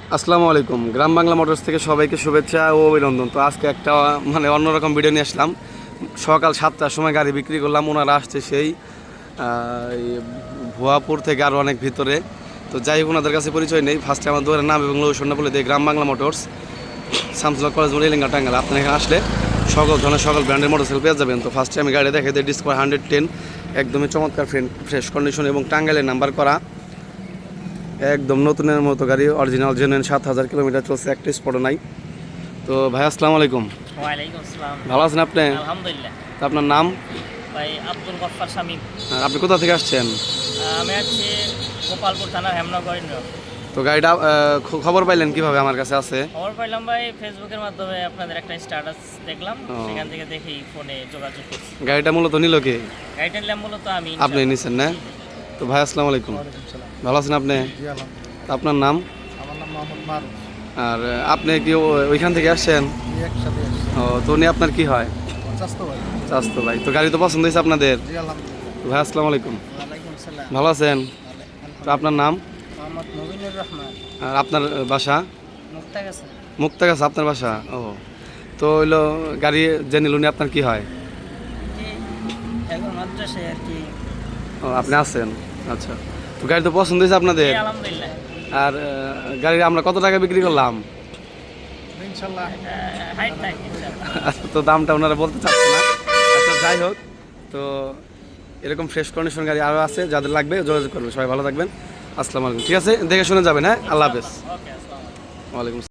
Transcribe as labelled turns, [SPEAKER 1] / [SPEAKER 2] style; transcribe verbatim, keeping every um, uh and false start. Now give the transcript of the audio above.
[SPEAKER 1] আসসালামু আলাইকুম। গ্রাম বাংলা মোটরস থেকে সবাইকে শুভেচ্ছা ও অভিনন্দন। তো আজকে একটা মানে অন্যরকম ভিডিও নিয়ে আসলাম। সকাল সাতটার সময় গাড়ি বিক্রি করলাম, ওনারা আসছে সেই এই ভুয়াপুর থেকে আরও অনেক ভিতরে। তো যাই হোক, ওনাদের কাছে পরিচয় নেই। ফার্স্টে আমার দোকানের নাম এবং লোকেশনটা বলে দিই, গ্রাম বাংলা মোটরস, শামসুল্লাহ কলেজ মোড়, এলিঙ্গা, টাঙ্গাইল। আপনি এখানে আসলে সকল ধরনের সকল ব্র্যান্ডের মোটরসাইকেল পেয়ে যাবেন। তো ফার্স্টে আমি গাড়ি দেখে দিই ডিসকভার হান্ড্রেড টেন, একদমই চমৎকার ফ্রেন্ড ফ্রেশ কন্ডিশন এবং টাঙ্গাইলের নাম্বার করা, একদম নতুনের মতো গাড়ি, অরিজিনাল জেনুইন, সাত হাজার কিলোমিটার চলছে, একটা স্পটও নাই। তো ভাই আসসালামু আলাইকুম।
[SPEAKER 2] ওয়ালাইকুম আসসালাম।
[SPEAKER 1] ভালো আছেন আপনি?
[SPEAKER 2] আলহামদুলিল্লাহ।
[SPEAKER 1] তো আপনার নাম?
[SPEAKER 2] ভাই আব্দুল গফফার শামীম।
[SPEAKER 1] আর আপনি কোথা থেকে আসছেন?
[SPEAKER 2] আমি আছি গোপালপুর থানার হেমনগর।
[SPEAKER 1] তো গাড়িটা আহ, খ- খবর পাইলেন কিভাবে আমার কাছে আছে?
[SPEAKER 2] খবর পাইলাম ভাই ফেসবুকের মাধ্যমে, আপনাদের একটা স্ট্যাটাস দেখলাম,
[SPEAKER 1] ও।
[SPEAKER 2] সেখান থেকে দেখি ফোনে যোগাযোগ করছি।
[SPEAKER 1] গাড়িটা মূলত নিল কে?
[SPEAKER 2] গাড়িটা নিলাম মূলত আমি।
[SPEAKER 1] আপনি নিছেন না? তো ভাই আসসালামু আলাইকুম। ভালো আছেন আপনি? তো আপনার নাম?
[SPEAKER 3] আমার নাম মোহাম্মদ মারুফ।
[SPEAKER 1] আর আহ, আপনি কি ও- ওইখান থেকে আসছেন?
[SPEAKER 3] জি, একসাথে আসছি।
[SPEAKER 1] ও, তো উনি আপনার কি হয়?
[SPEAKER 3] স্বাস্থ্য ভাই।
[SPEAKER 1] চাস্তো ভাই। তো গাড়ি তো পছন্দ হয়েছে আপনাদের?
[SPEAKER 3] জি আলহামদুলিল্লাহ।
[SPEAKER 1] তো ভাই আসসালামু আলাইকুম।
[SPEAKER 2] ওয়ালাইকুম আসসালাম।
[SPEAKER 1] ভালো আছেন? তো আপনার নাম
[SPEAKER 2] মোহাম্মদ নবীনুর রহমান।
[SPEAKER 1] আর আপনার বাসা?
[SPEAKER 2] মুক্তাগাছা।
[SPEAKER 1] মুক্তাগাছা আপনার বাসা? ও, তো হইলো গাড়ি যে নিল উনি আপনার কি হয়?
[SPEAKER 2] কি এখন মাদ্রাসায় আর কি।
[SPEAKER 1] ও, আপনি আছেন, আচ্ছা। তো গাড়ি তো পছন্দ হয়েছে আপনাদের?
[SPEAKER 2] জি, আলহামদুলিল্লাহ।
[SPEAKER 1] আর আহ, গাড়ি আমরা কত টাকা বিক্রি করলাম?
[SPEAKER 3] ইনশাল্লাহ।
[SPEAKER 2] হাইট থাক ইনশাআল্লাহ।
[SPEAKER 1] আচ্ছা, তো দামটা ওনারা বলতে চাচ্ছে না। আচ্ছা, যাই হোক, তো এরকম ফ্রেশ কন্ডিশন গাড়ি আরও আছে, যাদের লাগবে যোগাযোগ করবেন। সবাই ভালো থাকবেন। আসসালামু আলাইকুম। ঠিক আছে, দেখে শুনে যাবেন। হ্যাঁ, আল্লাহ হাফেজ।
[SPEAKER 2] ওকে, আসসালামু আলাইকুম।
[SPEAKER 1] ওয়ালাইকুম।